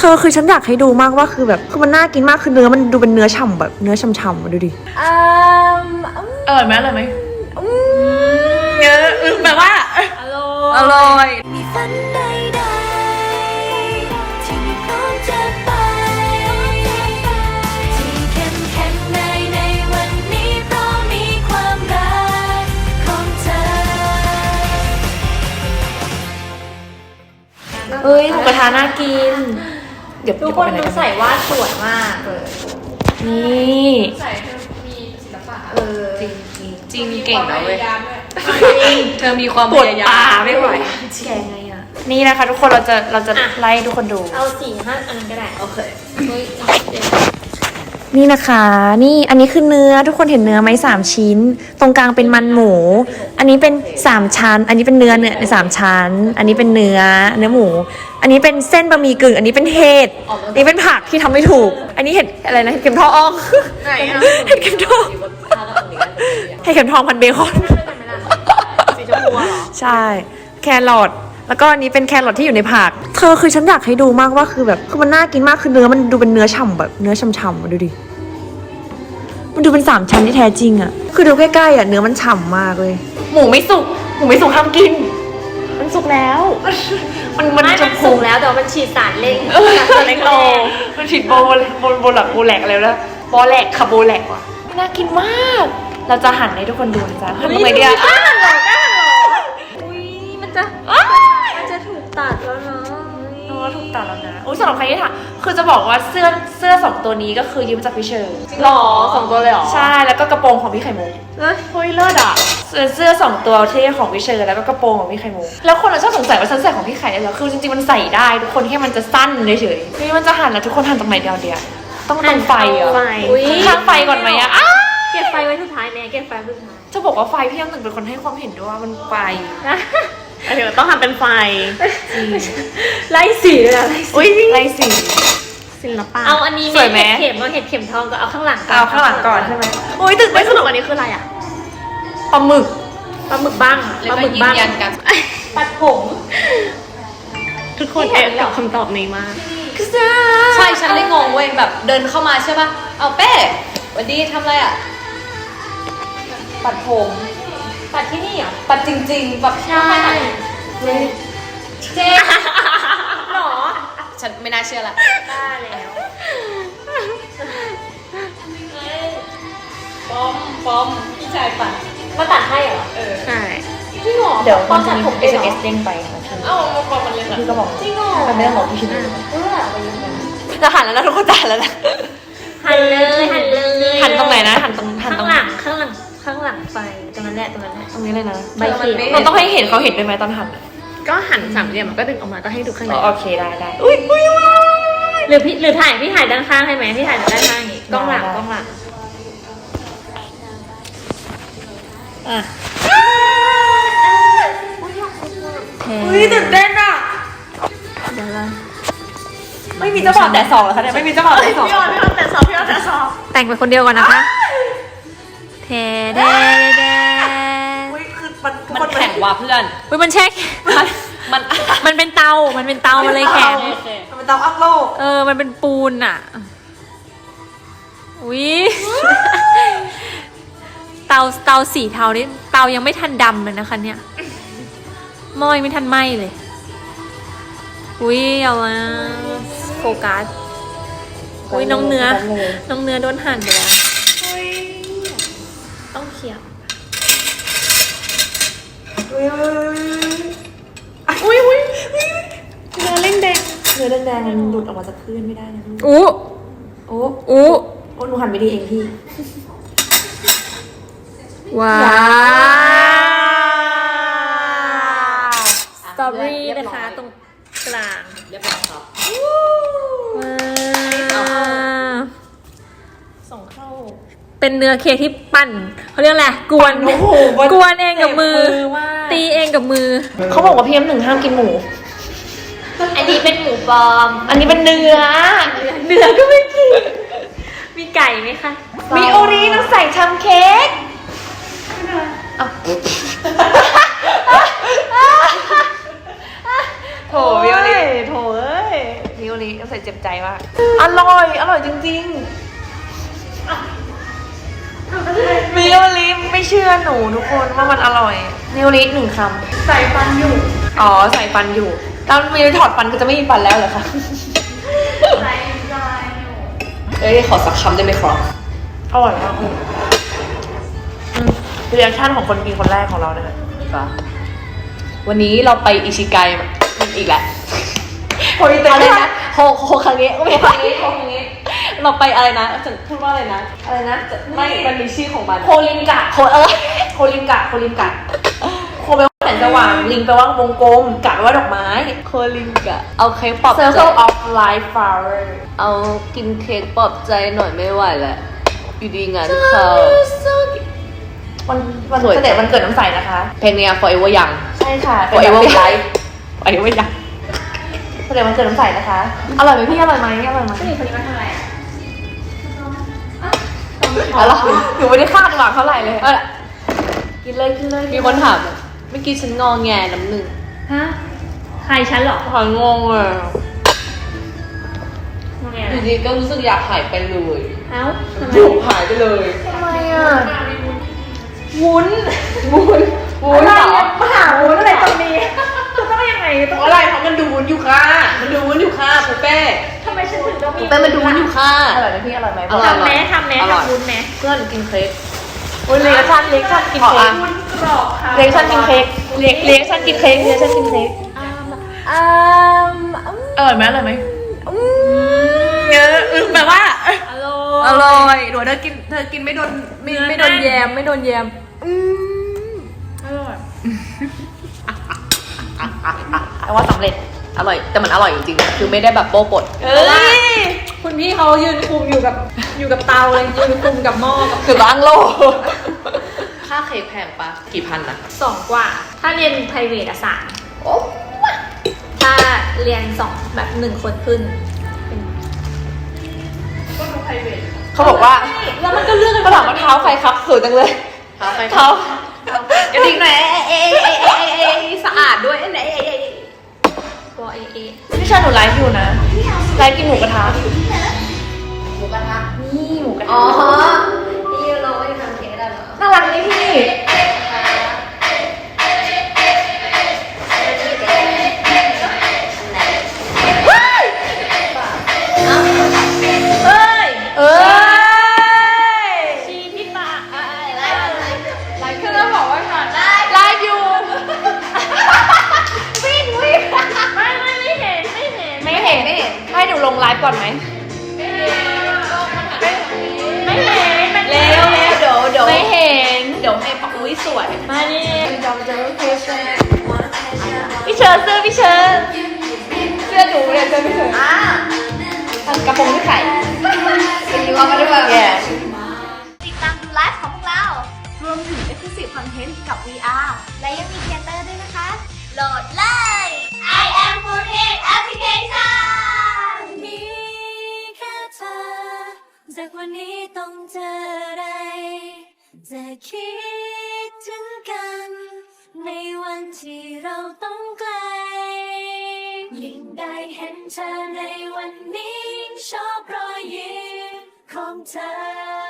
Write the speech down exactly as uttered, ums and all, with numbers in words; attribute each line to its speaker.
Speaker 1: ธอคือฉันอยากให้ดูมากว่าคือแบบคือมันน่ากินมากคือเนื้อมันดูเป็นเนื้อฉ่ำแบบเนื้อฉ่ำๆมาดูดิ
Speaker 2: อืม
Speaker 1: อร่อยไหมอร่อยไหมเนื้อแปลว่า
Speaker 2: อร่อย
Speaker 1: อร่อย
Speaker 3: มีฝันใดๆที่พร้อมจะไปที่เข้มแข็งในในวันนี้เพราะมีความรักของเธอ
Speaker 1: เอ้ยหมูกระทะน่ากินเดี๋ยว
Speaker 2: ทุกคนดูใส่วาดสวยมากเลย
Speaker 1: นี่
Speaker 2: ใส่เธอมีศิลปะเออจริง
Speaker 1: จริงเก่งนะเว้ย
Speaker 2: เธอมีความ
Speaker 1: ปวดตาไม่ไหวแกไงอ่ะนี่นะคะทุกคนเราจะเราจะไล่ทุกคนดู
Speaker 2: เอาสี่ห้าอันนั้นก็ได้โอเค
Speaker 1: นี่นะคะนี่อันนี้คือเนื้อทุกคนเห็นเนื้อไหมสามชิ้นตรงกลางเป็นมันหมูอันนี้เป็นสามชั้นอันนี้เป็นเนื้อเนื้อในสามชั้นอันนี้เป็นเนื้อเนื้อหมูอันนี้เป็นเส้นบะหมี่กึ่งอันนี้เป็นเห็ดอันนี้เป็นผักที่ทำไม่ถูกอันนี้เห็ดอะไรนะเห็ดเข็มทองเห็ดเข็มทองเห็ดเข็มทองพันเบคอน
Speaker 2: สีชมพูเหรอ
Speaker 1: ใช่แครอทแล้วก็อันนี้เป็นแครอทที่อยู่ในผักเธอคือฉันอยากให้ดูมากว่าคือแบบคือมันน่ากินมากคือเนื้อมันดูเป็นเนื้อฉ่ำแบบเนื้อฉ่ำๆมาดูดิมันดูเป็นสามชั้นที่แท้จริงอ่ะคือดูใกล้ๆอ่ะเนื้อมันฉ่ำมากเลยหมูไม่สุกหมูไม่สุกห้ามกินมันสุกแล้ว
Speaker 2: มันมันจะสุกแล้วแต่มันฉีดสารเร่ง
Speaker 1: สารเร่งโลมันฉีดโบโบโบหลักโบแหลกอะไรแล้วโบแหลกคาโบแหลกว่ะน่ากินมากเราจะหั่นให้ทุกคนดูนะจ๊ะหั่นตรงไหนดีอ่ะ
Speaker 2: กล้าหั่นหรอกล้าหั่นหรออุ้ยมันจะมันจะถูกตัดแล้วเนาะ
Speaker 1: อ๋อถูกตัดแล้วนะอุ้ยสำหรับใครที่ถามคือจะบอกว่าเสื้อเสื้อสองตัวนี้ก็คือยืมจากพี่เชอร์
Speaker 2: หรอสองตัวเลยหรอ
Speaker 1: ใช่แล้วก็กระโปรงของพี่ไข่มุก
Speaker 2: เฮ้ย
Speaker 1: เฮ้ยเลิศอ่ะเสื้อสองตัวที่ของพี่เชอร์แล้วก็กระโปรงของพี่ไข่มุกแล้วคนเราชอบสงสัยว่าฉันใส่ของพี่ไข่ได้เหรอคือจริงๆมันใส่ได้ทุกคนแค่มันจะสั้นเฉยๆนี่มันจะหั่นแล้วทุกคนหั่นตรงไหนเดียวเดียวต้องตรงไฟเหรอข้างไฟก่อนไหมอ่ะ
Speaker 2: เก็บไฟไว้สุดท้ายแม่เก็บไฟไว้สุดท้าย
Speaker 1: จะบอกว่าไฟพี่ยังหนึ่งเป็นคนให้ความเห็นด้วยว่ามันไฟ
Speaker 2: เดี๋ยวต้องทำเป็นไฟไล่สีเลยอะ
Speaker 1: ไล่สี
Speaker 2: ศิลปะเอาอันนี้เห็ดเข็มเอาเห็ดเข็มทองก็เอาข้างหลัง
Speaker 1: เอาข้างหลังก่อนใช่ไหมโอ้ยตื่นเต้น
Speaker 2: สนุกอันนี้คืออะไรอ่ะ
Speaker 1: ปลาหมึก
Speaker 2: ปลาหมึกบ้างปลาหมึกบ้างปัดผมทุกคนแอบกับคำตอบนี้มาก
Speaker 4: ใช่ฉันเลยงงเว้ยแบบเดินเข้ามาใช่ป่ะเอาเป้วันดีทำอะไรอ่ะปัดผม
Speaker 2: ปัดที่นี่เหรอ
Speaker 4: ปัดจริงๆแบบ
Speaker 2: ใช่
Speaker 4: เจ๊
Speaker 2: หรอ
Speaker 4: ฉันไม่น่าเชื่อละ
Speaker 2: ได้แล้ว
Speaker 4: ปอมปอมพี่ชายปัด
Speaker 2: มาตัดให้เหรอ
Speaker 1: เออ
Speaker 2: ใช่
Speaker 1: พี่หมอเดี๋ยวตอนตัดผมเอสเอสเด้งไป
Speaker 4: เอ้ามาปอมมันเลย
Speaker 1: พี่ก็บอก
Speaker 2: จริงเหรอ
Speaker 1: เป็นเรื่องของพี่ชิน
Speaker 2: เออไปยังไง
Speaker 1: จะหันแล้วนะทุกคนจะหันแล้วนะ
Speaker 2: หันเลยหันเลย
Speaker 1: หันตรงไหนนะหันตรงหันตรง
Speaker 2: ข้างหลังข้างหลังข้างหลังไฟตรงนั้นแหละตรงนั้นแหละ
Speaker 1: ตรงนี้เลยนะ
Speaker 2: ใบเขียว
Speaker 1: เราต้องให้เห็นเขาเห็นด้วยไหมตอนหัน
Speaker 2: ก็หันสามเหลี่ยมมันก็ดึงออกมาก็ให้ดูข้างใน
Speaker 1: โอเคได้ได้อุ้ยอุ้ย
Speaker 2: หรือพี่หรือถ่ายพี่ถ่ายด้านข้างให้ไหมพี่ถ่ายด้านข้างนี่กล้องหลังกล้องหลังอ่ะ
Speaker 1: อุ้ยตื่นเต้นอ่ะ
Speaker 2: เดี๋ยวละ
Speaker 1: ไม่มีเจ้าบ่าวแต่สองเหรอคะเนี่ยไม่มีเจ้าบ่าวแต่สอง
Speaker 2: พี่ออนพี่ออนแต่สองพี่ออนแต่สอง
Speaker 1: แต่งเป็นคนเดียวก่อนนะคะ
Speaker 2: เทเดเด
Speaker 4: มันแข็งว่ะเพื่อน
Speaker 1: เฮ้ยมันแช่
Speaker 4: มัน
Speaker 1: มันเป็นเตามันเป็นเตามันเลยแข็ง
Speaker 4: มันเป็นเตาอั้งโลก
Speaker 1: เออมันเป็นปูนอ่ะอุ้ยเตาเตาสีเทานี่เตายังไม่ทันดำเลยนะคะเนี่ยหม้อยังไม่ทันไหม้เลยอุ้ยเอาละโฟกัสอุ้ยน้องเนื้อน้องเนื้อโดนหั่นไปแล้ว
Speaker 2: ต้องเคี่ยว
Speaker 1: อุ้ยอุ้ยเนื้อเล่งแดงเนื้อแดงมันหลุดออกมาจากพื้นไม่ได้นะอู้โอ้โอ้โอ้หนูหันไปดีเองพี่ว้าวสตรอเบอรี่นะคะตรงกลาง
Speaker 4: เรียบร้อยครับ
Speaker 1: ส่งเข้าเป็นเนื้อเค้กที่ปั่นเขาเรียกอะไรกวนกวนเองกับมือตีเองกับมือเขาบอกว่าพี่น้ำหนึ่งห้ามกินหมู
Speaker 2: อันนี้เป็นหมูปลอม
Speaker 1: อันนี้เป็นเนื้อ
Speaker 2: เนื้อก็ไม่กินมีไก่ไหมคะ
Speaker 1: มีโอรีน้ำใส่ทำเค้กโถวิโอรีโถเอ้ยวิโอรีลิใส่เจ็บใจมากอร่อย อร่อยจริงๆมิโอลิไม่เชื่อหนูทุกคนว่ามันอร่อยมิโอลิหนึ่งคำ
Speaker 2: ใส่ฟันอยู่
Speaker 1: อ๋อใส่ฟันอยู่ตอนมิโอลิถอดฟันก็จะไม่มีฟันแล้วเหรอคะ
Speaker 2: ใส่ฟันอยู่
Speaker 4: เอ้ยขอสักคำได้ไหมครับ
Speaker 1: อร่อยมากอืมเรีแอคชั่นของคนกินคนแรกของเรานะคะ
Speaker 4: วันนี้เราไปอิชิไกมาอีกแล้ว
Speaker 1: โอ้ยแต่
Speaker 4: อะไรนะโฮโฮคังเงะโฮคังเงะโฮคังเงะเราไปอะไรนะจะพูดว่าอะไรนะ
Speaker 1: อะไรนะ
Speaker 4: ไม่มันมีชื่อของมัน
Speaker 1: โคลินกะ
Speaker 4: โคเออ
Speaker 1: โคลินกะโคลินกะโคแปลว่าแสงสว่างลิงแปลว่าวงกลมกะแปลว่าดอกไม้
Speaker 4: โคลิงกะเอาเค้กปลอบใจ
Speaker 1: Circle of Life Flower
Speaker 4: เอากินเค้กปลอบใจหน่อยไม่ไหวแล้วอยู่ดีงานเขา
Speaker 1: วันวัน
Speaker 4: สวย
Speaker 1: เสด็จวันเกิดน้ำใสนะคะ
Speaker 4: เพลงเนี้ย forever ยัง
Speaker 1: ใช่ค่ะ
Speaker 4: forever
Speaker 1: เป็นแบบ
Speaker 4: life forever ยัง
Speaker 1: เสด็จวันเกิดน้ำใสนะคะ อร่อยไหมพี่อร่อยไหมอร่อยไหม
Speaker 2: ผู้หญิงคนนี้มาทำอะไรอ่ะ
Speaker 1: อร่อยหนูไม่ได้คาดหวังเท่าไหร่เลย
Speaker 4: เอาล่ะ
Speaker 1: กินเลยกินเลย
Speaker 4: มีคนถามเมื่อกี้ฉันงอแงน้ำหนึ่ง
Speaker 2: ฮะ ใครฉันเหรอ
Speaker 4: หายงงเลย
Speaker 2: มึงไง
Speaker 4: อยู่ดีก็รู้สึกอยากหายไปเลย
Speaker 2: เอ้าทำไม
Speaker 4: อยู่หายไปเลย
Speaker 1: ทำไมอ่ะ
Speaker 2: วุ้น
Speaker 4: วุ้นวุ้นเหรอ
Speaker 2: มาหาวุ้นอะไรตรงนี้คือต้องยังไงต้อง
Speaker 4: อะไรเพราะมันดูวุ้นอยู่ค่ะ มันดูวุ้นอยู่ค่ะปูเป้
Speaker 2: ทำไมฉันถึงต้องมี
Speaker 4: ปูเป้มันดูวุ้นอยู่ค่ะ
Speaker 1: อร่อยไหมพี่อร่อยไหม
Speaker 4: อร่อย
Speaker 2: ทำแม้ทำแม้
Speaker 4: อร่อย
Speaker 2: ทำวุ้นแม้
Speaker 4: เพื่อนกินเค้ก
Speaker 1: โอ้ยเลี้ยงชันเลี้ยงชันกิน
Speaker 4: ขอ
Speaker 1: เค้
Speaker 4: อ่ะ
Speaker 1: ก
Speaker 2: วุ้นกรอบค่ะ
Speaker 1: เลี้ยงชันกินเค้กเลี้ยงเลี้ยงชันกินเค้กเลี้ยงชันกินเค้ก
Speaker 4: อืม
Speaker 1: อร่อยไหมอร่อยไหมเอออึ้งแปลว่า
Speaker 2: อร่
Speaker 4: อ
Speaker 2: อย
Speaker 4: ร่อยหนูเธอกินเธอกินไม่โดนไม่ไม่โดนแยมไม่โดนแยมอืม
Speaker 2: อร่อย
Speaker 1: แปลว่าสำเร็จ
Speaker 4: อร่อยแต่มันอร่อยจริงๆคือไม่ได้แบบโป๊ะปด
Speaker 1: เอ้ย
Speaker 2: คุณพี่เขายืนคุมอยู่กับอยู่กับเตาเลยยืนคุมกับหม้อกับ
Speaker 4: คือล้างโลกค่าเค้กแพงปะกี่พันนะ
Speaker 2: สองกว่า ถ้าเรียน private อะสาม
Speaker 4: โอ้
Speaker 2: ถ้าเรียนสองแบบหนึ่งคนขึ้น
Speaker 1: เขาบอกว่า
Speaker 2: แล้วมันก็เลือกกัน
Speaker 1: เขาถามว่าเท้าใครครับสวยจังเลย
Speaker 4: เท้าใคร
Speaker 1: เท้า
Speaker 4: กระดิ่งหน่อยเอ๊ะเอ๊ะเอ๊ะเอ๊ะเอ๊ะสะอาดด้วยไหนเอ๊ะเอ๊ะ
Speaker 2: ตัวเอเอ
Speaker 1: พี่ชายหนูไลฟ์อยู่นะไลฟ์กินหมูกระทะ
Speaker 4: หมูกระทะ
Speaker 1: นี่หมูกระ
Speaker 4: อ๋อ
Speaker 1: ทะ
Speaker 4: ที่เราไม่ทำเค้กได้เหรอ
Speaker 1: น่ารักนี่พี่เอ้ยเอ้ย
Speaker 2: ชีพี่ปะอะไร
Speaker 4: ไลฟ์คือเราบอกว่าก่อนได้
Speaker 1: ไลฟ์อยู่
Speaker 2: วิ่งวิ่งไม่ไม่ไม่เห็นไม่เห็น
Speaker 1: ไม่เห็นไม่เห็นให้หนูลงไลฟ์ก่อนไหม
Speaker 2: ไม่เห็นมัน
Speaker 4: เร็วเร็วเดี๋ยวเดี๋ยว
Speaker 1: ไม่เห็น
Speaker 4: เดี๋ยวให้ปักอุ้ยสวย
Speaker 2: มานี่
Speaker 1: พี่เชิญเสื้อพี่เชิญเสื้อหนูเนี่ยเสื้อพี่เชิญ
Speaker 4: อ่ะ
Speaker 1: กระโปรงที่ไข่
Speaker 4: เป็นยูว่ามาด้วย
Speaker 1: แย่
Speaker 3: ติดตามดูไลฟ์ของพวกเรา รวมถึง Exclusive Content กับ วี อาร์ และยังมีเทเตอร์ด้วยนะคะ โหลดเลย I am Foodhead Application มีแค่เธอ จากวันนี้ต้องเจออะไร จะคิดถึงกัน ในวันที่เราต้องไกล ยิ่งได้เห็นเธอในวันนี้ชอบรอยยิ้มของเธอ